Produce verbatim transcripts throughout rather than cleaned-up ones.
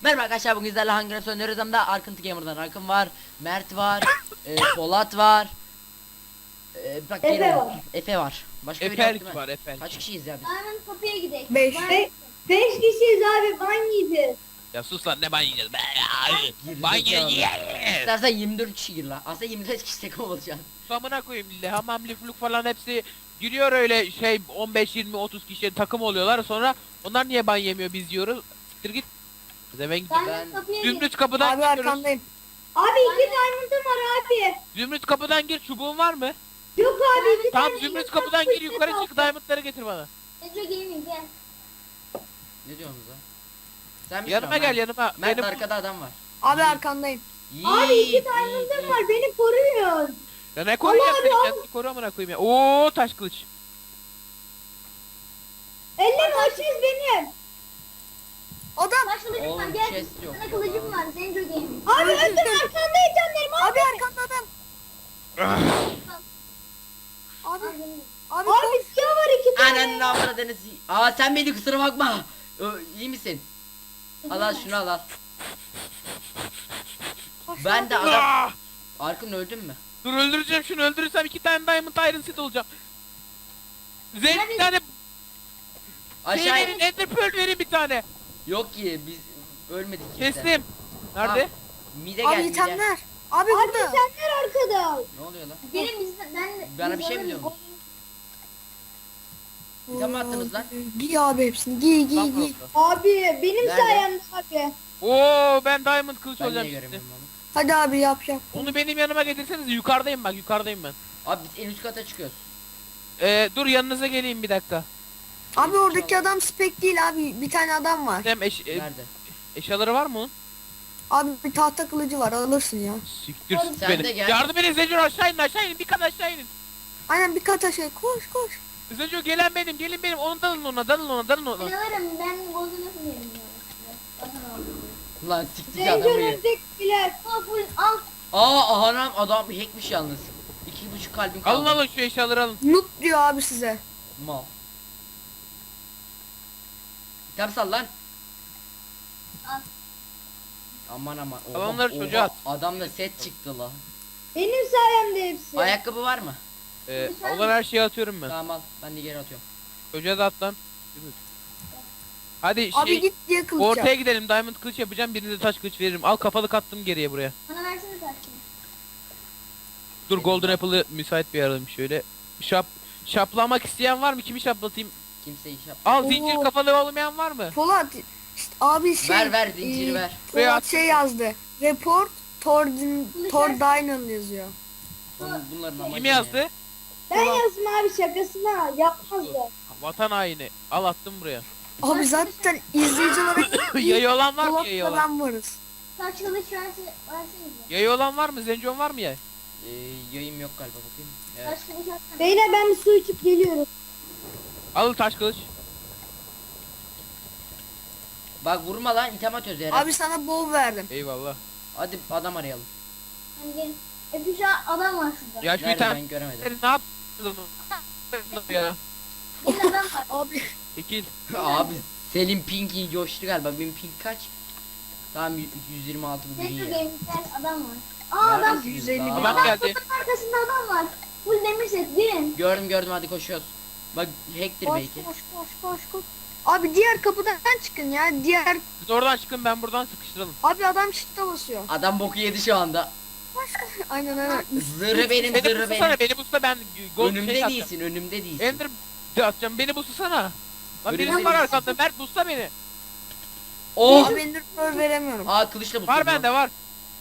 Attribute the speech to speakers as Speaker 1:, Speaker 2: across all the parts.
Speaker 1: Merhaba arkadaşlar, bugün sizlerle hangi rapsi oynuyoruz? Hem de Arkıntı Gamer'dan Akın var, Mert var, e, Polat var, e, bak
Speaker 2: Efe
Speaker 1: gene-
Speaker 2: var.
Speaker 1: Efe var. Başka biri yok değil
Speaker 3: Efelk
Speaker 1: mi?
Speaker 3: var Efelk.
Speaker 1: Kaç kişiyiz ya biz?
Speaker 2: Hemen kapıya gidelim.
Speaker 4: Beş.
Speaker 2: Beş. Beş kişiyiz abi, ban yiyeceğiz.
Speaker 3: Ya sus lan, ne ban yiyeceğiz be ya.
Speaker 1: Geri
Speaker 3: Ban
Speaker 1: zekalı.
Speaker 3: yiyeceğiz.
Speaker 1: İstersen yirmi dört kişi gir la. Aslında yirmi dört kişi tek olacaksın.
Speaker 3: Amına koyayım bile, hamam lifluk falan hepsi giriyor öyle şey on beş yirmi otuz kişi takım oluyorlar, sonra onlar niye ban yemiyor biz yiyoruz. Siktir git. Zeven
Speaker 2: Ben,
Speaker 1: Ben-
Speaker 2: kapıya gidelim.
Speaker 3: Zümrüt kapıdan
Speaker 4: Abi
Speaker 3: giriyoruz.
Speaker 4: arkandayım.
Speaker 2: Abi iki diamond'ım var abi.
Speaker 3: Zümrüt kapıdan gir, çubuğun var mı?
Speaker 2: Yok abi iki
Speaker 3: Tamam,
Speaker 2: tane
Speaker 3: Zümrüt
Speaker 2: elmas
Speaker 3: kapıdan
Speaker 2: fırsat
Speaker 3: gir, yukarı çık,
Speaker 2: aldım.
Speaker 3: diamondları getir bana.
Speaker 2: Ece Gaming gel.
Speaker 1: Ne diyorsunuz lan? Sen misin
Speaker 3: Yanıma
Speaker 1: o?
Speaker 3: gel
Speaker 1: Mert?
Speaker 3: yanıma.
Speaker 1: Mert
Speaker 3: Benim
Speaker 1: arkada adam var.
Speaker 4: Abi arkandayım.
Speaker 2: Abi
Speaker 1: Yiğit,
Speaker 2: iki diamond'ım
Speaker 1: yiğit,
Speaker 2: var, beni koruyor.
Speaker 3: ya ne koruyacağım
Speaker 2: Allah
Speaker 3: seni,
Speaker 2: Allah.
Speaker 3: kendini koru amına koyayım ya. Oo, taş kılıç.
Speaker 2: Elleme açız benim.
Speaker 4: Adam.
Speaker 2: Taş kılıcım var
Speaker 1: Oğlum,
Speaker 2: gel.
Speaker 1: chest yok
Speaker 2: Sana
Speaker 1: ya.
Speaker 2: kılıcım var Zenco Gaming.
Speaker 4: Abi
Speaker 2: Abi öldüm arkandayım canlarım
Speaker 4: Abi arkanda adam. Abi. Abi,
Speaker 2: Abi siyah var iki tane.
Speaker 1: Ananın avradınız. Aa sen beni, kusura bakma. Ö, iyi misin? Al al şunu al al. Ben de adam.
Speaker 3: Ah!
Speaker 1: Arkın öldün mü?
Speaker 3: Dur, öldüreceğim şunu, öldürürsem iki tane Diamond Iron Set olacağım. Zen
Speaker 2: Hadi.
Speaker 3: bir tane şey
Speaker 1: Aşağı
Speaker 3: verin, Ender Pearl verin bir tane.
Speaker 1: Yok ki biz ölmedik kimse.
Speaker 3: Kestim. Nerede?
Speaker 1: Mide gel
Speaker 4: Abi
Speaker 1: mide.
Speaker 4: itemler. Abi
Speaker 2: Abi
Speaker 4: burada.
Speaker 2: senler arkada.
Speaker 1: Ne oluyor lan?
Speaker 2: Benim bizden ben
Speaker 1: Bana bir
Speaker 2: biz
Speaker 1: şey mi
Speaker 2: alırız.
Speaker 1: diyorsun? İtem mi attınız lan?
Speaker 4: Giy abi hepsini. Giy giy
Speaker 3: Lan
Speaker 4: giy.
Speaker 3: burası.
Speaker 2: Abi benim
Speaker 1: Nerede?
Speaker 2: sayemde abi.
Speaker 3: Oo, ben Diamond kılıç
Speaker 1: Ben niye
Speaker 3: olacağım şimdi.
Speaker 1: göremiyorum onu?
Speaker 4: Hadi abi yap yap.
Speaker 3: Onu benim yanıma getirseniz, yukarıdayım bak, yukarıdayım ben.
Speaker 1: Abi biz en üst kata çıkıyoruz.
Speaker 3: Ee, dur yanınıza geleyim bir dakika.
Speaker 4: Abi oradaki adam spek değil abi. Bir tane adam var.
Speaker 3: Hem eş, e,
Speaker 1: Nerede?
Speaker 3: eşyaları var mı onun?
Speaker 4: Abi bir tahta kılıcı var, alırsın ya.
Speaker 3: Siktir
Speaker 2: Oğlum,
Speaker 3: sık
Speaker 1: sen
Speaker 3: beni.
Speaker 1: de gel.
Speaker 3: Yardım edin Zencur, aşağı inin aşağı inin, bir kat aşağı inin.
Speaker 4: Aynen bir kata şey koş koş.
Speaker 3: Zencur gelen benim, gelin benim, onu dalın ona, dalın ona, dalın
Speaker 2: Ben
Speaker 3: ona.
Speaker 2: alırım ben bozuluyorsun yerim ya. Bakın abi.
Speaker 1: Lan siktik
Speaker 2: Zenco
Speaker 1: adamı ya.
Speaker 2: öndekiler. Al full al.
Speaker 1: Aa anam adam hackmiş yalnız. İki buçuk kalbim kaldı.
Speaker 3: Alın alın şu eşyaları alın.
Speaker 4: Noob diyor abi size.
Speaker 1: Mal. İtem sal lan.
Speaker 2: Al.
Speaker 1: Aman aman.
Speaker 3: Al onları çocuğa at.
Speaker 1: Adamda set çıktı la.
Speaker 2: Benim sayemde hepsi.
Speaker 1: Ayakkabı var mı?
Speaker 3: Ee, olan her şeyi atıyorum ben.
Speaker 1: Tamam al. Ben de geri atıyorum.
Speaker 3: Çocuğa da at lan. Yürü. Hadi
Speaker 4: Abi
Speaker 3: şey,
Speaker 4: git diye kılıç
Speaker 3: ortaya
Speaker 4: yap.
Speaker 3: gidelim, diamond kılıç yapacağım, birinize taş kılıç veririm. Al, kafalık attım geriye buraya.
Speaker 2: Bana versene taşını.
Speaker 3: Dur, golden apple'ı müsait bir alalım şöyle. Şap şaplamak isteyen var mı? Kimi şaplatayım?
Speaker 1: Kimse iş yap.
Speaker 3: Al,
Speaker 4: Oo.
Speaker 3: zincir kafalı olmayan var mı?
Speaker 4: Polat. İşte abi şey.
Speaker 1: Ver ver zinciri
Speaker 4: e,
Speaker 1: ver.
Speaker 3: Buraya
Speaker 4: Polat
Speaker 3: at.
Speaker 4: şey yazdı. Report Tordin Tordinen yazıyor.
Speaker 1: Oğlum bunların amacı
Speaker 3: Kim
Speaker 1: ne?
Speaker 3: yazdı?
Speaker 2: Ben yazdım abi şakasına. Yapmazdı.
Speaker 3: Vatan haini. Al, attım buraya.
Speaker 4: Abi zaten izleyici olarak
Speaker 3: Yayı olan var mı? Yayı
Speaker 4: Polat'la
Speaker 3: olan.
Speaker 4: ben varız.
Speaker 2: Taş kılıç verse, versenize.
Speaker 3: Yayı olan var mı? Zencon var mı yay?
Speaker 1: Ee, yayım yok galiba bakayım. Evet.
Speaker 2: Taş kılıç atsana. Beyler ben bir su içip geliyorum.
Speaker 3: Al taş kılıç.
Speaker 1: Bak vurma lan, item atıyoruz herhalde.
Speaker 4: Abi sana bol verdim.
Speaker 3: Eyvallah.
Speaker 1: Hadi adam arayalım.
Speaker 2: Hadi gelin. Efe şu an adam var şurada.
Speaker 3: Ya şu
Speaker 1: Nerede
Speaker 3: item
Speaker 1: ben göremedim.
Speaker 3: Sen ne yaptın ya?
Speaker 2: Bir adam var.
Speaker 4: Abi
Speaker 3: Çekil.
Speaker 1: Abi Selim Pink'in coştu galiba. Benim Pink kaç? Tamam y- yüz yirmi altı bu
Speaker 2: Zenco
Speaker 1: iyi.
Speaker 2: Gaming'den adam var. Aa adam.
Speaker 1: Neredesiniz
Speaker 4: yüz elli
Speaker 1: lan?
Speaker 4: bin.
Speaker 3: Adam
Speaker 2: Adam
Speaker 3: geldi.
Speaker 2: kutunun arkasında adam var. Full demir set gelin.
Speaker 1: Gördüm gördüm, hadi koşuyoruz. Bak hacktir
Speaker 4: koş
Speaker 1: belki.
Speaker 4: koş koş koş koş. Abi diğer kapıdan çıkın ya. Diğer
Speaker 3: Siz oradan çıkın, ben buradan sıkıştıralım.
Speaker 4: abi adam shift'e basıyor.
Speaker 1: Adam boku yedi şu anda.
Speaker 4: Koş koş. Aynen aynen.
Speaker 1: Zırhı benim,
Speaker 3: Beni
Speaker 1: zırhı
Speaker 3: buslasana,
Speaker 1: benim.
Speaker 3: beni busla, ben gol
Speaker 1: Önümde
Speaker 3: şey atacağım.
Speaker 1: değilsin, önümde değilsin.
Speaker 3: Ender de atacağım, beni buslasana. Lan
Speaker 1: Önümde
Speaker 3: birisi var
Speaker 1: değilsin.
Speaker 3: arkamda, Mert busla beni.
Speaker 1: Oh!
Speaker 4: Abi Ender Pearl veremiyorum.
Speaker 1: Aa kılıçla bu.
Speaker 3: Var bende, var.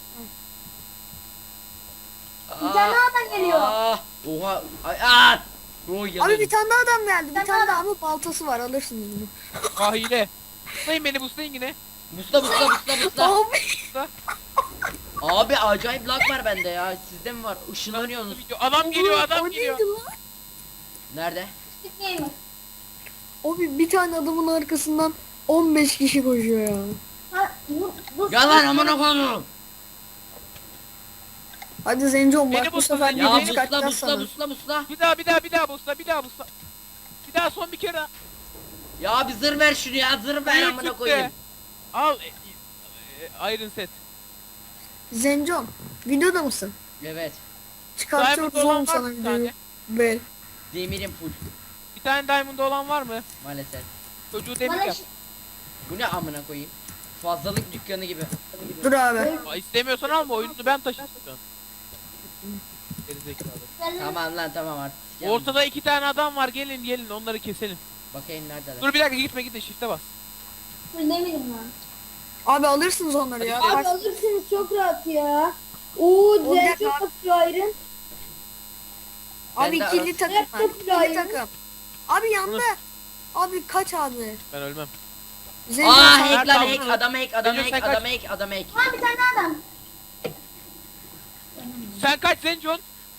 Speaker 2: Bir tane adam geliyor.
Speaker 1: Aa, oha. Ay, aa! Oh,
Speaker 4: Abi
Speaker 1: yanıyorum.
Speaker 4: bir tane daha adam geldi. Bir
Speaker 2: Ben
Speaker 4: tane
Speaker 2: adam-
Speaker 4: daha ama baltası var, alırsınız bunu.
Speaker 3: Ah, hile. Buslayın beni, buslayın yine.
Speaker 1: Busla busla busla busla.
Speaker 4: Abi.
Speaker 3: Busla.
Speaker 1: Abi acayip lag var bende ya. Sizde mi var? Işınlanıyorsunuz.
Speaker 3: Adam geliyor,
Speaker 4: O
Speaker 3: adam
Speaker 4: neydi
Speaker 3: geliyor.
Speaker 4: lan?
Speaker 1: Nerede?
Speaker 2: Stick gamer.
Speaker 4: Abi bir tane adamın arkasından on beş kişi koşuyor ya.
Speaker 2: Ha, bu, bu
Speaker 1: Gel lan amına koyduğum.
Speaker 4: Hadi Zenco
Speaker 3: Beni
Speaker 4: bak bu
Speaker 3: busla,
Speaker 4: sefer
Speaker 3: Zenco,
Speaker 1: Ya
Speaker 4: geri
Speaker 3: beni
Speaker 1: busla
Speaker 4: çıkartacağız
Speaker 1: busla
Speaker 4: sana.
Speaker 1: busla busla.
Speaker 3: Bir daha, bir daha, bir daha busla, bir daha busla. Bir daha, son bir kere.
Speaker 1: Ya bir zırh ver şunu ya, zırh ver
Speaker 3: Hayır,
Speaker 1: amına
Speaker 3: çıktı.
Speaker 1: koyayım.
Speaker 3: Al. e, e, Iron Set.
Speaker 4: Zencon videoda mısın?
Speaker 1: Evet.
Speaker 4: Çıkartıyoruz
Speaker 3: Diamond olan
Speaker 4: oğlum
Speaker 3: var
Speaker 4: sana
Speaker 3: mı bir
Speaker 4: videoyu.
Speaker 3: tane?
Speaker 4: Bel.
Speaker 1: Demirim full
Speaker 3: Bir tane Diamond olan var mı?
Speaker 1: maalesef.
Speaker 3: Çocuğu demir
Speaker 2: Bana
Speaker 3: yap.
Speaker 2: şi-
Speaker 1: Bu ne amına koyayım? Fazlalık dükkanı gibi.
Speaker 4: Dur abi.
Speaker 3: Aa, İstemiyorsan alma, oyununu ben taşıtacağım. Gerizekalı.
Speaker 2: Sen-
Speaker 1: Tamam lan tamam artık. Gel.
Speaker 3: Ortada iki tane adam var, gelin gelin onları keselim.
Speaker 1: Bakayım neredeler.
Speaker 3: Dur bir dakika, gitme gitme, shift'e bas.
Speaker 2: Full demirim lan.
Speaker 4: Abi alırsınız onları ya.
Speaker 3: Hadi
Speaker 2: Abi
Speaker 4: Kaç-
Speaker 2: alırsınız çok rahat ya. Oo
Speaker 4: Olacak
Speaker 2: diğer çok
Speaker 4: abi.
Speaker 2: full iron.
Speaker 4: Abi
Speaker 1: Ben de
Speaker 4: ikili
Speaker 1: arası-
Speaker 4: takım var.
Speaker 2: Laptop
Speaker 4: İkili
Speaker 2: iron.
Speaker 4: takım. Abi yandı. Abi kaç abi?
Speaker 3: Ben ölmem.
Speaker 4: Zencon
Speaker 1: Aa
Speaker 4: sana-
Speaker 1: hack lan
Speaker 3: Nerede
Speaker 1: hack
Speaker 3: aldın?
Speaker 1: adam hack adam
Speaker 3: Recep,
Speaker 1: hack
Speaker 3: sen
Speaker 1: adam
Speaker 3: kaç?
Speaker 1: hack adam hack.
Speaker 2: Ha bir tane daha adam.
Speaker 3: Sen kaç Zencon?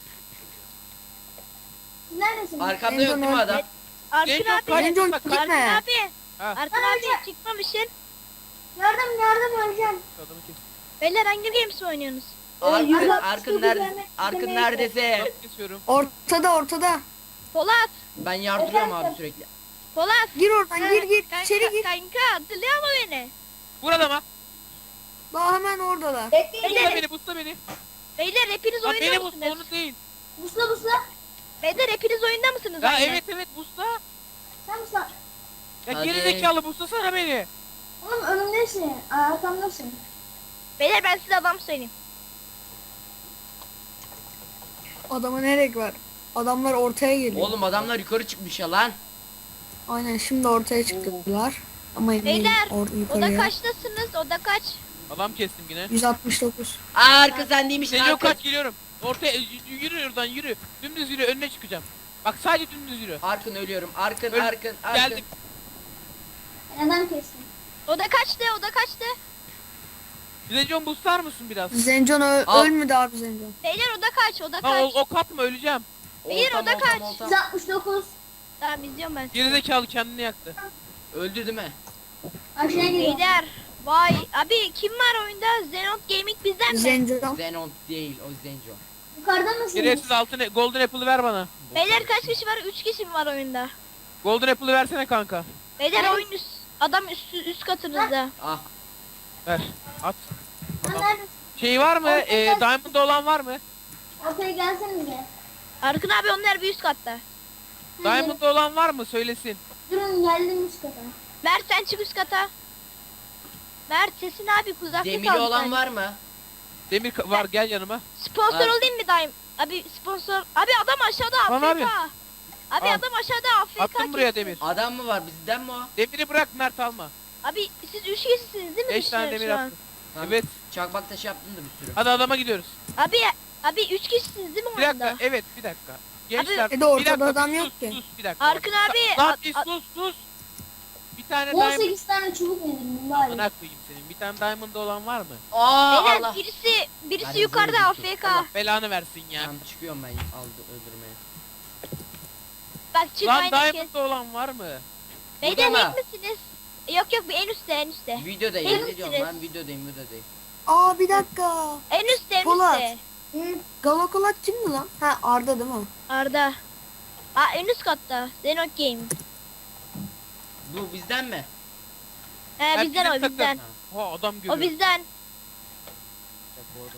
Speaker 2: Siz neredesiniz?
Speaker 1: Arkamda yok değil mi adam?
Speaker 5: Arkın
Speaker 3: Zencon
Speaker 5: abi.
Speaker 3: kaç?
Speaker 4: Zencon
Speaker 3: Bak,
Speaker 4: gitme.
Speaker 5: Arkın abi.
Speaker 3: Ha.
Speaker 5: Arkın abi çıkmamışsın.
Speaker 2: Yardım yardım öleceğim.
Speaker 3: Adamı kes.
Speaker 5: Beyler hangi games mi oynuyorsunuz?
Speaker 1: Arkın
Speaker 2: yüz altmış
Speaker 1: Arkın
Speaker 2: dokuz
Speaker 1: nerede?
Speaker 2: demek-
Speaker 1: Arkın
Speaker 2: demek-
Speaker 1: neredesin?
Speaker 3: Adamı kesiyorum.
Speaker 4: Ortada ortada.
Speaker 5: Polat.
Speaker 1: Ben yardırıyorum abi sürekli.
Speaker 5: Polat.
Speaker 4: Gir oradan gir gir.
Speaker 5: Kanka,
Speaker 4: İçeri gir.
Speaker 5: kanka hatırlıyor mu beni?
Speaker 3: Vur adama.
Speaker 4: Daha hemen oradalar.
Speaker 2: Bekleyin.
Speaker 3: Busta
Speaker 5: Beyler,
Speaker 3: beni, busta beni.
Speaker 5: beyler hepiniz
Speaker 3: Lan
Speaker 5: oyunda
Speaker 3: beni busta,
Speaker 5: mısınız?
Speaker 3: onu değil.
Speaker 2: Busla busla.
Speaker 5: Beyler hepiniz oyunda mısınız?
Speaker 3: Ya
Speaker 5: aynı?
Speaker 3: evet evet busta.
Speaker 2: Sen busla.
Speaker 3: Ya
Speaker 1: Hadi.
Speaker 3: gerizekalı busta sana beni.
Speaker 2: Oğlum önümdesin. Arkamdasın.
Speaker 5: Beyler ben size adam söyleyeyim.
Speaker 4: Adama ne gerek var? Adamlar ortaya geliyor.
Speaker 1: Oğlum adamlar yukarı çıkmış ya lan.
Speaker 4: Aynen şimdi ortaya çıktılar. Ama emin değilim.
Speaker 5: Beyler
Speaker 4: Or
Speaker 5: oda
Speaker 4: yukarıya.
Speaker 5: kaçtasınız? Oda kaç?
Speaker 3: Adam kestim yine.
Speaker 4: yüz altmış dokuz.
Speaker 1: Aa arka sen değilmişsin
Speaker 3: Zencon
Speaker 1: arka.
Speaker 3: kaç, geliyorum. Ortaya y- yürü oradan yürü. Dümdüz yürü, önüne çıkacağım. Bak sadece dümdüz yürü.
Speaker 1: Arkın ölüyorum. Arkın
Speaker 3: Öl-
Speaker 1: arkın arkın.
Speaker 3: Geldim.
Speaker 2: Ben adam kestim.
Speaker 5: Oda kaçtı? Oda kaçtı?
Speaker 3: Zencon bustar mısın biraz?
Speaker 4: Zencon ö-
Speaker 1: Al.
Speaker 4: ölmedi abi Zencon.
Speaker 5: Beyler oda kaç? Oda
Speaker 3: Ha o,
Speaker 5: kaç?
Speaker 3: o kat mı, öleceğim.
Speaker 5: Hayır,
Speaker 1: Oltam,
Speaker 5: o da
Speaker 1: oltam,
Speaker 5: kaç?
Speaker 1: oltam.
Speaker 2: yüz altmış dokuz.
Speaker 5: Tamam izliyorum ben sizi.
Speaker 3: Gerizekalı kendini yaktı.
Speaker 1: Öldü değil mi?
Speaker 2: Aşağıya gidiyorum.
Speaker 5: Beyler. Vay abi kim var oyunda? Zenot Gaming bizden mi?
Speaker 4: Zencon.
Speaker 1: Zenon değil o Zenco.
Speaker 2: Yukarıda mısınız?
Speaker 3: Gereksiz altın Golden Apple'ı ver bana.
Speaker 5: Beyler kaç kişi var? üç kişi mi var oyunda?
Speaker 3: Golden Apple'ı versene kanka.
Speaker 5: Beyler
Speaker 2: Evet.
Speaker 5: oyun üst, adam üst, üst katınızda.
Speaker 1: Ah
Speaker 3: Ver. At.
Speaker 2: Sen
Speaker 3: Adam.
Speaker 2: neredesin?
Speaker 3: Şey var mı?
Speaker 2: Ortada.
Speaker 3: E, Diamond olan var mı?
Speaker 2: Ortaya gelsenize.
Speaker 5: Arkın abi onlar bir üst katta.
Speaker 3: Diamond olan var mı? Söylesin.
Speaker 2: Durun geldim üst kata.
Speaker 5: Mert sen çık üst kata. Mert sesin abi uzakta
Speaker 1: demiri
Speaker 5: kaldı
Speaker 1: olan
Speaker 5: sanki.
Speaker 1: var mı?
Speaker 3: Demir ka- var, gel yanıma.
Speaker 5: Sponsor
Speaker 1: Var.
Speaker 5: olayım mı daim? Abi sponsor. Abi adam aşağıda
Speaker 3: Tamam
Speaker 5: A F K.
Speaker 3: abi.
Speaker 5: Abi
Speaker 3: Al.
Speaker 5: adam aşağıda A F K.
Speaker 3: Attım buraya
Speaker 5: kesiyor.
Speaker 3: demir.
Speaker 1: Adam mı var bizden mi o?
Speaker 3: Demiri bırak, Mert alma.
Speaker 5: Abi siz üç kişisiniz değil mi?
Speaker 3: beş tane
Speaker 5: dışarı
Speaker 3: demir
Speaker 5: şu an?
Speaker 3: attım.
Speaker 1: Tamam.
Speaker 3: Evet.
Speaker 1: Çakmak taşı yaptın da bir sürü.
Speaker 3: Hadi adama gidiyoruz.
Speaker 5: Abi abi üç kişisiniz değil mi
Speaker 3: Bir dakika.
Speaker 5: oyunda?
Speaker 3: Evet, bir dakika. Gençler.
Speaker 4: E de ortada
Speaker 3: bir dakika,
Speaker 4: adam
Speaker 3: bir
Speaker 4: yok
Speaker 3: sus,
Speaker 4: ki.
Speaker 3: Sus, bir dakika.
Speaker 5: Arkın abi.
Speaker 3: Lan
Speaker 5: at-
Speaker 3: bir
Speaker 5: at-
Speaker 3: sus sus. Bir tane
Speaker 2: on
Speaker 3: diamond.
Speaker 2: sekiz tane çubuk yedim bari.
Speaker 3: Amına koyayım senin. Bir tane diamond olan var mı?
Speaker 1: Aa
Speaker 5: Beyler
Speaker 1: Allah.
Speaker 5: birisi birisi
Speaker 1: Ben
Speaker 5: yukarıda
Speaker 1: izlemedim
Speaker 5: A
Speaker 1: ki.
Speaker 5: F K.
Speaker 3: Allah belanı versin ya.
Speaker 1: Tamam çıkıyorum ben aldı öldürmeye.
Speaker 5: Bak çık
Speaker 3: Lan
Speaker 5: aynen kes.
Speaker 3: diamond olan var mı?
Speaker 5: Beyler
Speaker 1: Burada mı?
Speaker 5: hack misiniz? Yok yok en üstte en üstte.
Speaker 1: Videodayım
Speaker 5: Emin
Speaker 1: ne diyorum
Speaker 5: misiniz?
Speaker 1: ben videodayım videodayım.
Speaker 4: Aa bir dakika.
Speaker 5: En üstte en
Speaker 4: Polat.
Speaker 5: üstte.
Speaker 2: Hı.
Speaker 4: Galakolat kimdi lan? Ha Arda değil mi?
Speaker 5: Arda. Aa en üst katta. Zenot Game.
Speaker 1: Bu bizden mi?
Speaker 5: He
Speaker 3: Ben
Speaker 5: bizden
Speaker 3: bizim
Speaker 5: o bizden.
Speaker 3: takım. Ha adam görüyor.
Speaker 5: O bizden.
Speaker 3: Bu adam.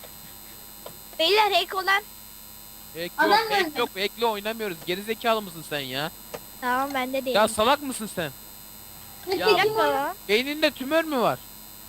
Speaker 5: Beyler hack olan.
Speaker 3: Hack
Speaker 2: Adam
Speaker 3: yok, hack
Speaker 2: nerede?
Speaker 3: yok. Hack'le oynamıyoruz. Gerizekalı mısın sen ya?
Speaker 5: Tamam bende değil.
Speaker 3: Ya salak mısın sen?
Speaker 2: Peki
Speaker 1: Ya,
Speaker 5: Bir
Speaker 2: kim
Speaker 5: dakika
Speaker 2: o?
Speaker 5: lan.
Speaker 3: Beyninde tümör mü var?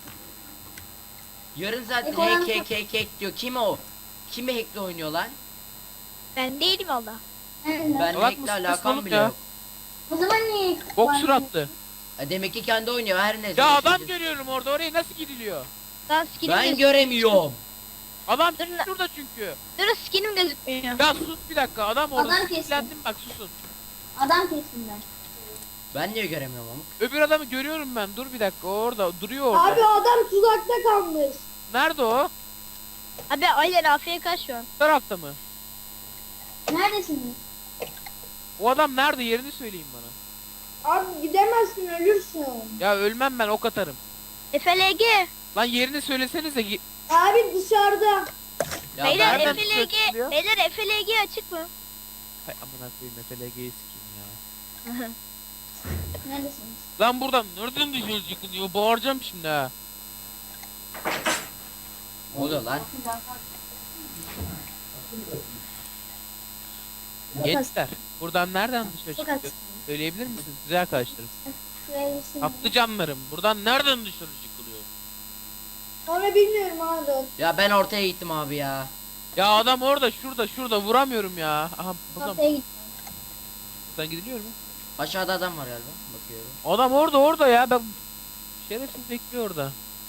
Speaker 1: Yarın zaten
Speaker 2: Ekonomi-
Speaker 1: hack hack hack hack diyor. Kim o? Kimi hackle oynuyor lan?
Speaker 5: Ben değilim valla.
Speaker 2: Nerede?
Speaker 1: Ben
Speaker 3: Salak
Speaker 1: hackle
Speaker 3: mısın kız
Speaker 1: alakam
Speaker 3: oğlum
Speaker 1: bile
Speaker 3: ya?
Speaker 1: yok.
Speaker 2: O zaman niye?
Speaker 3: Bok
Speaker 2: Var-
Speaker 3: suratlı.
Speaker 1: E, demek ki kendi oynuyor her neyse.
Speaker 3: Ya
Speaker 1: Bir
Speaker 3: adam
Speaker 1: şey-
Speaker 3: görüyorum orada. Oraya nasıl gidiliyor?
Speaker 5: Lan skinim
Speaker 1: Ben
Speaker 5: gözükmüyor.
Speaker 1: göremiyorum.
Speaker 3: Adam
Speaker 5: Dur lan.
Speaker 3: şurada çünkü.
Speaker 5: Dur skinim gözükmüyor.
Speaker 3: Ya sus bir dakika. Adam orada.
Speaker 2: Adam kesin.
Speaker 3: Sinirlendim bak, susun.
Speaker 2: Adam kestim ben.
Speaker 1: Ben niye göremiyorum ama?
Speaker 3: Öbür adamı görüyorum ben. Dur bir dakika. O orada. Duruyor orada.
Speaker 2: adam tuzakta kalmış.
Speaker 3: Nerede o?
Speaker 5: Abi aynen A F K şu an.
Speaker 3: Bu tarafta mı?
Speaker 2: Neredesiniz?
Speaker 3: O adam nerede? Yerini söyleyin bana.
Speaker 2: Abi gidemezsin ölürsün.
Speaker 3: Ya ölmem ben, ok atarım.
Speaker 5: F L G.
Speaker 3: Lan yerini söylesenize. Gi-
Speaker 2: Abi dışarıda.
Speaker 1: Ya
Speaker 5: Beyler
Speaker 1: ben,
Speaker 3: nereden
Speaker 5: F L G.
Speaker 3: çıkıyor?
Speaker 5: Beyler F L G açık mı?
Speaker 3: Hay amına koyayım, F L G'yi sikeyim ya.
Speaker 2: Neredesiniz?
Speaker 3: Lan buradan nereden dışarı çıkılıyor? Bağıracağım şimdi ha.
Speaker 1: Ne oluyor lan?
Speaker 3: Gençler buradan nereden dışarı
Speaker 2: Çok
Speaker 3: çıkıyor? Söyleyebilir misiniz güzel arkadaşlarım?
Speaker 2: Şuraya bir şey.
Speaker 3: Tatlı canlarım buradan nereden dışarı çıkılıyor?
Speaker 2: Onu bilmiyorum abi.
Speaker 1: Ya ben ortaya gittim abi ya.
Speaker 3: Ya adam orada şurada şurada vuramıyorum ya. Aha buradan,
Speaker 2: Ortaya git.
Speaker 3: buradan gidiliyor mu?
Speaker 1: Aşağıda adam var galiba. Bakıyorum.
Speaker 3: Adam orada orada ya ben şerefsiz bekliyor orada.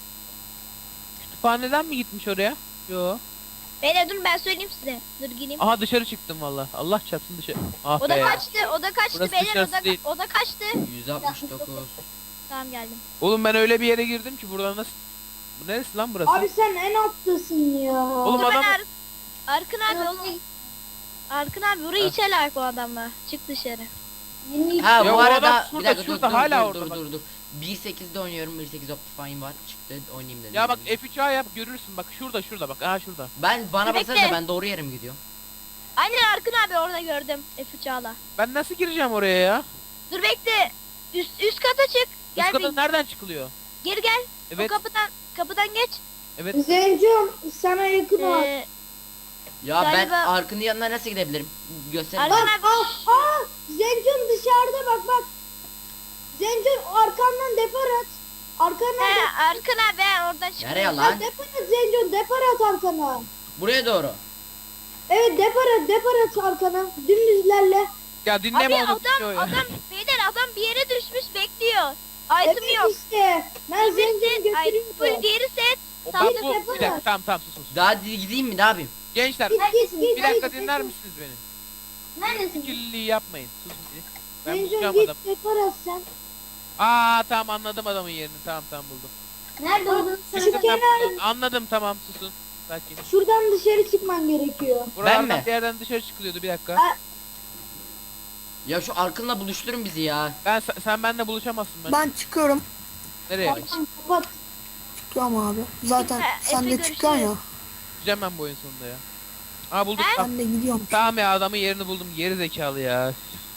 Speaker 3: Kütüphaneden mi gitmiş oraya? Yo.
Speaker 5: Beyler dur ben söyleyeyim size. Dur gireyim.
Speaker 3: Aha dışarı çıktım valla. Allah çarpsın dışarı. Ah
Speaker 5: O da
Speaker 3: be.
Speaker 5: kaçtı. O da kaçtı
Speaker 3: Burası
Speaker 5: beyler. O
Speaker 3: dışarısı
Speaker 5: da,
Speaker 3: değil.
Speaker 5: o da kaçtı.
Speaker 1: yüz altmış dokuz.
Speaker 5: Tamam geldim.
Speaker 3: Oğlum ben öyle bir yere girdim ki buradan nasıl... Bu neresi lan burası?
Speaker 2: Abi sen en alttasın ya.
Speaker 3: Oğlum
Speaker 5: Dur ben
Speaker 3: adam...
Speaker 5: Ar Arkın abi oğlum. Arkın abi burayı
Speaker 3: Ha.
Speaker 5: içeler bu adamla. Çık dışarı.
Speaker 2: Yeni
Speaker 1: Ha
Speaker 3: Ya
Speaker 1: bu
Speaker 3: o
Speaker 1: arada
Speaker 3: adam
Speaker 1: bir
Speaker 3: şurada,
Speaker 1: dakika dur
Speaker 3: şurada,
Speaker 1: dur
Speaker 3: hala
Speaker 1: dur
Speaker 3: orada
Speaker 1: dur
Speaker 3: bak.
Speaker 1: dur dur. bir sekizde oynuyorum. bir sekiz Optifine var. Çıktı oynayayım dedim.
Speaker 3: Ya bak F üç A yap görürsün bak şurada şurada bak. Aha şurada.
Speaker 1: Ben bana
Speaker 5: Bekle.
Speaker 1: baksanıza ben doğru yere mi gidiyorum?
Speaker 5: Aynen Arkın abi orada gördüm. F üç A'la.
Speaker 3: Ben nasıl gireceğim oraya ya?
Speaker 5: Dur bekle. Üst, üst kata çık. Gel
Speaker 3: Üst kata
Speaker 5: bir
Speaker 3: nereden çıkılıyor?
Speaker 5: geri gel.
Speaker 3: Evet.
Speaker 5: O kapıdan kapıdan geç.
Speaker 3: Evet.
Speaker 2: Zencum sana yakın ol.
Speaker 5: Ee,
Speaker 1: Ya
Speaker 5: Galiba-
Speaker 1: ben Arkın'ın yanına nasıl gidebilirim? Göster.
Speaker 5: Arkın
Speaker 2: Bak
Speaker 5: abi.
Speaker 2: ah ah Zencum dışarıda bak bak. Zencum arkandan depar at. Arkandan
Speaker 5: He
Speaker 2: depar
Speaker 5: Arkın abi ben oradan
Speaker 1: Nereye
Speaker 5: çıkıyorum.
Speaker 1: lan?
Speaker 2: at. Depar at Zencum depar at arkana.
Speaker 1: Buraya doğru.
Speaker 2: Evet depar at depar at arkana. Dümdüz ilerle.
Speaker 3: Ya dinleme
Speaker 5: Abi
Speaker 3: onu dinliyor
Speaker 5: adam
Speaker 3: ya.
Speaker 5: adam beyler adam bir yere düşmüş bekliyor.
Speaker 2: Evet
Speaker 5: Item yok.
Speaker 2: işte. Ben
Speaker 5: Bir
Speaker 2: Zencum'u
Speaker 5: set, ay,
Speaker 2: götürüyorum.
Speaker 5: full diğeri set.
Speaker 3: O
Speaker 5: Tamam,
Speaker 3: bak bu
Speaker 2: yapalım.
Speaker 3: bir dakika tamam tamam sus sus.
Speaker 1: Daha di- gideyim mi ne yapayım?
Speaker 3: Gençler
Speaker 2: Git git git.
Speaker 3: bir dakika
Speaker 2: git,
Speaker 3: dinler
Speaker 2: git.
Speaker 3: misiniz beni?
Speaker 2: Neredesin?
Speaker 3: Kirliliği yapmayın. Susun bir. Ben
Speaker 2: Zencum
Speaker 3: bulacağım
Speaker 2: git
Speaker 3: adamı.
Speaker 2: depar at sen.
Speaker 3: Aa tamam anladım adamın yerini. Tamam tamam buldum.
Speaker 2: Nerede olduğunu
Speaker 3: Çıktım
Speaker 2: söyle.
Speaker 3: ben
Speaker 2: Kenar.
Speaker 3: buradan. Anladım tamam susun. Sakin.
Speaker 2: Şuradan dışarı çıkman gerekiyor.
Speaker 3: Buralardan
Speaker 1: mi?
Speaker 3: bir yerden dışarı çıkılıyordu bir dakika.
Speaker 2: Ha.
Speaker 1: Ya şu Arkın'la buluşturun bizi ya.
Speaker 3: Ben sen, sen benimle buluşamazsın ben.
Speaker 4: Ben çıkıyorum.
Speaker 3: Nereye?
Speaker 2: Tamam kapat.
Speaker 4: Çıkıyorum abi. Zaten
Speaker 5: Efe,
Speaker 4: sen de
Speaker 5: Efe
Speaker 4: çıkıyorsun ya.
Speaker 5: görüşürüz.
Speaker 3: Gideceğim ben bu oyun sonunda ya. Aa bulduk.
Speaker 5: He?
Speaker 3: Tamam.
Speaker 4: Ben de gidiyorum.
Speaker 3: Tamam ya adamın yerini buldum. Geri zekalı ya.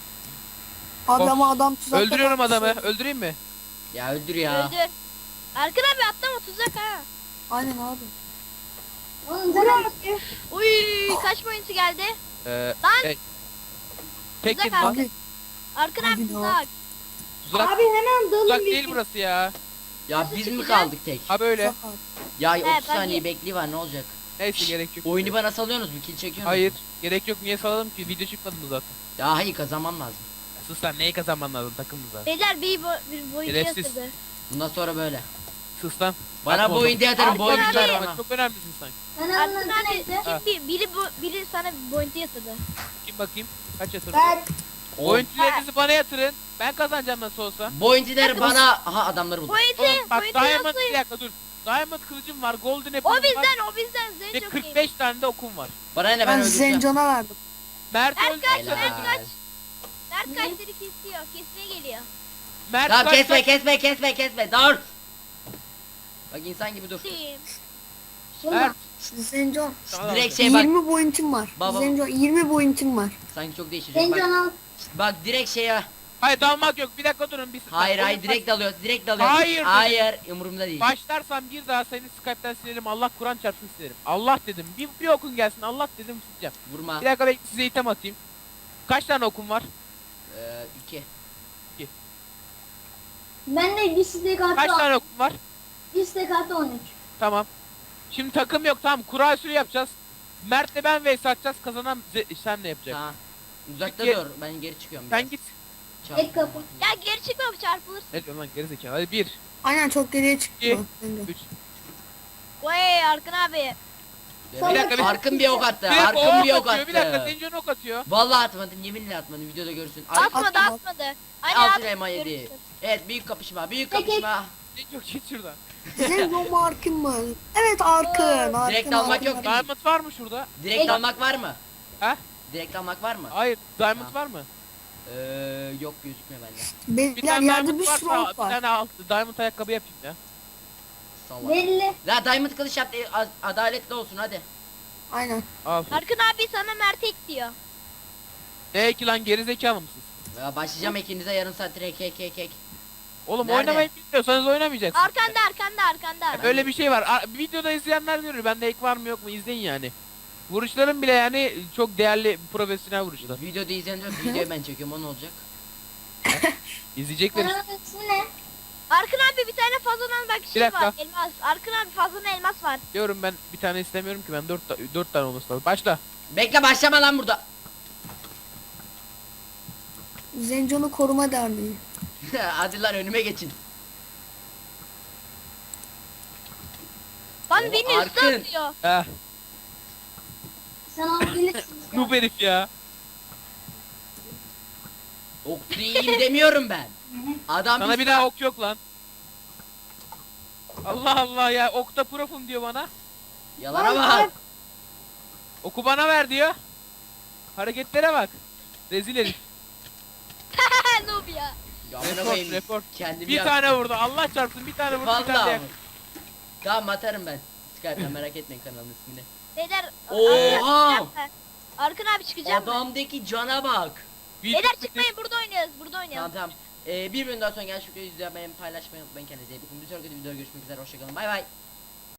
Speaker 4: Abi
Speaker 3: Of.
Speaker 4: ama adam tuzakta
Speaker 3: Öldürüyorum
Speaker 4: kalmış.
Speaker 3: adamı. Öldüreyim mi?
Speaker 1: Ya öldür ya.
Speaker 5: Öldür. Arkın abi atlama tuzak ha.
Speaker 4: Aynen abi.
Speaker 2: Oğlum sen abi.
Speaker 5: Uy kaç boyuntu geldi?
Speaker 3: Ee,
Speaker 5: Lan!
Speaker 3: şey, Tekin
Speaker 5: Tuzak
Speaker 3: lan.
Speaker 4: Abi
Speaker 5: Arkın
Speaker 4: Abi
Speaker 5: abi
Speaker 4: ne
Speaker 5: tuzak.
Speaker 3: Tuzak,
Speaker 2: Abi hemen dalın
Speaker 3: tuzak
Speaker 2: bir.
Speaker 3: değil burası ya.
Speaker 1: Ya
Speaker 5: Nasıl
Speaker 1: biz mi
Speaker 5: çıkacağız?
Speaker 1: kaldık tek?
Speaker 3: Ha böyle.
Speaker 4: tuzak abi.
Speaker 1: Ya
Speaker 5: He,
Speaker 1: otuz
Speaker 5: ben
Speaker 1: saniye
Speaker 5: de-
Speaker 1: bekli var ne olacak?
Speaker 3: Neyse gerek yok.
Speaker 1: Oyunu bana salıyorsunuz mu? Kill çekiyorsunuz
Speaker 3: Hayır.
Speaker 1: mu?
Speaker 3: Gerek yok. Niye salalım ki? Video çıkmadı mı zaten?
Speaker 1: Ya hayır kazanmam lazım.
Speaker 3: Ya sus lan neyi kazanman lazım takımda zaten.
Speaker 5: Beyler bir, bo bir boyuntu
Speaker 3: Şerefsiz.
Speaker 5: yatırdı.
Speaker 1: Bundan sonra böyle.
Speaker 3: Sus lan.
Speaker 1: Bana
Speaker 3: Atma
Speaker 1: bu
Speaker 3: onu.
Speaker 1: oyunda yatarım bu
Speaker 5: Arkın
Speaker 1: oyuncular
Speaker 5: abi.
Speaker 1: bana.
Speaker 3: Çok önemlisin sen.
Speaker 5: Arkın abi
Speaker 3: Ha.
Speaker 5: kim bir, biri, bu, biri sana bir boyuntu yatırdı.
Speaker 3: Kim bakayım? Kaç yatırdın?
Speaker 2: Ben
Speaker 1: O
Speaker 3: Oyuncularınızı bana yatırın. Ben kazanacağım nasıl olsa.
Speaker 1: boyuntiler bana... Aha adamları buldum.
Speaker 5: Boyuntu,
Speaker 3: Oğlum bak
Speaker 5: boyuntu
Speaker 3: Diamond
Speaker 5: yatırdı.
Speaker 3: bir dakika dur. Diamond kılıcım var. Golden
Speaker 5: O
Speaker 3: apple'ım var.
Speaker 5: bizden o bizden
Speaker 3: Ve
Speaker 5: Zenco
Speaker 3: kırk
Speaker 5: Game.
Speaker 3: beş tane de okum var.
Speaker 1: Bana ne ben
Speaker 4: Ben
Speaker 1: öldüreceğim.
Speaker 4: Zencon'a verdim.
Speaker 3: Mert
Speaker 5: Mert
Speaker 3: öldü.
Speaker 5: kaç,
Speaker 1: Helal.
Speaker 5: Mert kaç. Mert kaçları kesiyor, kesmeye geliyor.
Speaker 3: Mert
Speaker 1: Tamam
Speaker 3: kaç
Speaker 1: kesme
Speaker 3: kaç-
Speaker 1: kesme kesme kesme dur. Bak insan gibi dur.
Speaker 5: Team.
Speaker 3: Mert.
Speaker 4: Zencon.
Speaker 3: Tamam.
Speaker 1: Direkt şey bak.
Speaker 4: yirmi boyuntum var.
Speaker 1: Baba.
Speaker 4: Zencon yirmi boyuntum var.
Speaker 1: Sanki çok değişecek. Bak,
Speaker 2: Zencon al.
Speaker 1: bak direkt şeye.
Speaker 3: Hayır dalmak yok. Bir dakika durun. Bir
Speaker 1: Hayır
Speaker 3: bak,
Speaker 1: hayır
Speaker 3: oyun
Speaker 1: direkt dalıyor. Direkt dalıyor.
Speaker 3: Hayır dedim.
Speaker 1: Hayır umurumda değil.
Speaker 3: baş- Başlarsam bir daha seni Skype'ten silerim. Allah Kur'an çarpsın silerim. Allah dedim. Bir, bir okun gelsin. Allah dedim sileceğim.
Speaker 1: Vurma.
Speaker 3: Bir dakika bekle size item atayım. Kaç tane okum var?
Speaker 1: Ee, iki.
Speaker 2: Ben de bir stek
Speaker 3: Kaç
Speaker 2: artı
Speaker 3: tane okum var?
Speaker 2: bir stek artı on üç.
Speaker 3: Tamam. Şimdi takım yok tamam. Kura usulü yapacağız. Mert'le ben vs atacağız. Kazanan ze- sen ne yapacak?
Speaker 1: Tamam. Uzakta
Speaker 3: Gel-
Speaker 1: dur. Ben geri çıkıyorum.
Speaker 3: Sen
Speaker 1: biraz.
Speaker 3: git.
Speaker 1: Çabuk.
Speaker 2: Tek kapı.
Speaker 5: Ya geri çıkma çarpılırsın.
Speaker 3: Ne diyorsun lan gerizekalı. Hadi bir,
Speaker 4: Aynen çok geriye çıktı.
Speaker 3: İki.
Speaker 4: o, Zencon.
Speaker 3: üç.
Speaker 5: Vay Arkın abi.
Speaker 1: Bir
Speaker 3: dakika, bir-
Speaker 1: Arkın bir ok attı.
Speaker 3: Bir dakika
Speaker 1: Arkın bir
Speaker 3: o
Speaker 1: ok
Speaker 3: ok atıyor. Bir dakika
Speaker 1: attı.
Speaker 3: Zencon ok atıyor.
Speaker 1: Vallahi atmadım. Yeminle atmadım. Videoda görürsün. Ay,
Speaker 5: Atmadı
Speaker 4: atma.
Speaker 5: atmadı. Hani
Speaker 1: altı
Speaker 5: at.
Speaker 1: elma yedi.
Speaker 5: görürsün.
Speaker 1: Evet büyük kapışma. Büyük
Speaker 2: Peki.
Speaker 1: kapışma.
Speaker 3: Zencon git şuradan.
Speaker 4: Zencon mu Arkın mı? Evet Arkın. Arkın
Speaker 1: Direkt almak
Speaker 4: Arkın,
Speaker 1: yok.
Speaker 4: Arkın.
Speaker 3: Diamond var mı şurada?
Speaker 1: Direkt
Speaker 2: Peki.
Speaker 1: almak var mı?
Speaker 3: He?
Speaker 1: Direkt almak var mı?
Speaker 3: Hayır. Diamond
Speaker 1: Tamam.
Speaker 3: var mı?
Speaker 1: Ee, yok gözükmüyor bende.
Speaker 3: Bir
Speaker 4: Beyler
Speaker 3: tane
Speaker 4: yerde
Speaker 3: Diamond
Speaker 4: bir sürü
Speaker 3: varsa
Speaker 4: ok
Speaker 3: bir
Speaker 4: var.
Speaker 3: tane alt Diamond ayakkabı yapayım ya.
Speaker 1: Salla.
Speaker 2: Belli.
Speaker 1: La Diamond kılıç yap. e, az- Adaletli olsun hadi.
Speaker 4: Aynen.
Speaker 3: Al.
Speaker 5: Arkın abi sana Mert ek diyor.
Speaker 3: Ne ki lan gerizekalı mısınız?
Speaker 1: Ya başlayacağım ikinize yarım saat direkt kek kek kek.
Speaker 3: Oğlum
Speaker 1: Nerede?
Speaker 3: oynamayı bilmiyorsanız oynamayacaksınız.
Speaker 5: Arkanda arkanda arkanda.
Speaker 3: Öyle bir şey var. Ar- videoda izleyenler görür. Bende ek var mı yok mu izleyin yani. Vuruşlarım bile yani çok değerli profesyonel vuruşlar.
Speaker 1: Videoda izleyenler videoyu ben çekiyorum o ne olacak?
Speaker 3: İzleyecekler işte.
Speaker 5: Arkın abi bir tane fazladan bak
Speaker 3: Bir
Speaker 5: şey
Speaker 3: dakika.
Speaker 5: var. Elmas. Arkın abi fazladan elmas var.
Speaker 3: Diyorum ben bir tane istemiyorum ki ben dört, ta- dört tane olması lazım. Başla.
Speaker 1: Bekle başlama lan burada.
Speaker 4: Zencon'u koruma derneği.
Speaker 1: Hadi lan önüme geçin.
Speaker 5: Lan
Speaker 1: Oo,
Speaker 5: beni üstü
Speaker 1: Arkın.
Speaker 5: atıyor.
Speaker 3: Heh.
Speaker 2: Sen alabilirsin.
Speaker 3: Noob herif ya.
Speaker 1: Okçu iyiyim demiyorum ben. Adam
Speaker 3: Sana
Speaker 1: bir
Speaker 3: bir daha ok yok lan. Allah Allah ya okta profum diyor bana.
Speaker 1: Yalana
Speaker 2: Lan,
Speaker 1: bak.
Speaker 3: Oku bana ver diyor. Hareketlere bak. Rezil herif.
Speaker 5: Noob ya.
Speaker 1: Ya amına
Speaker 3: Report
Speaker 1: koyayım.
Speaker 3: report.
Speaker 1: Kendimi
Speaker 3: Bir
Speaker 1: yak-
Speaker 3: tane vurdu. Allah çarpsın bir tane vurdu bir tane de
Speaker 1: Vallahi.
Speaker 3: yak.
Speaker 1: Tamam atarım ben. Skype'den merak etmeyin kanalın ismini.
Speaker 5: Beyler.
Speaker 1: Oha!
Speaker 5: Arkın abi- Arkın abi çıkacağım mı?
Speaker 1: Adamdaki cana bak.
Speaker 5: Beyler çıkmayın burada oynuyoruz. Burada
Speaker 1: Tamam
Speaker 5: oynayalım.
Speaker 1: tamam. Ee, bir bölüm daha sonra gel şu videoyu izlemeyi paylaşmayı unutmayın kendinize iyi bakın. Bir sonraki videoda görüşmek üzere hoşçakalın bay bay.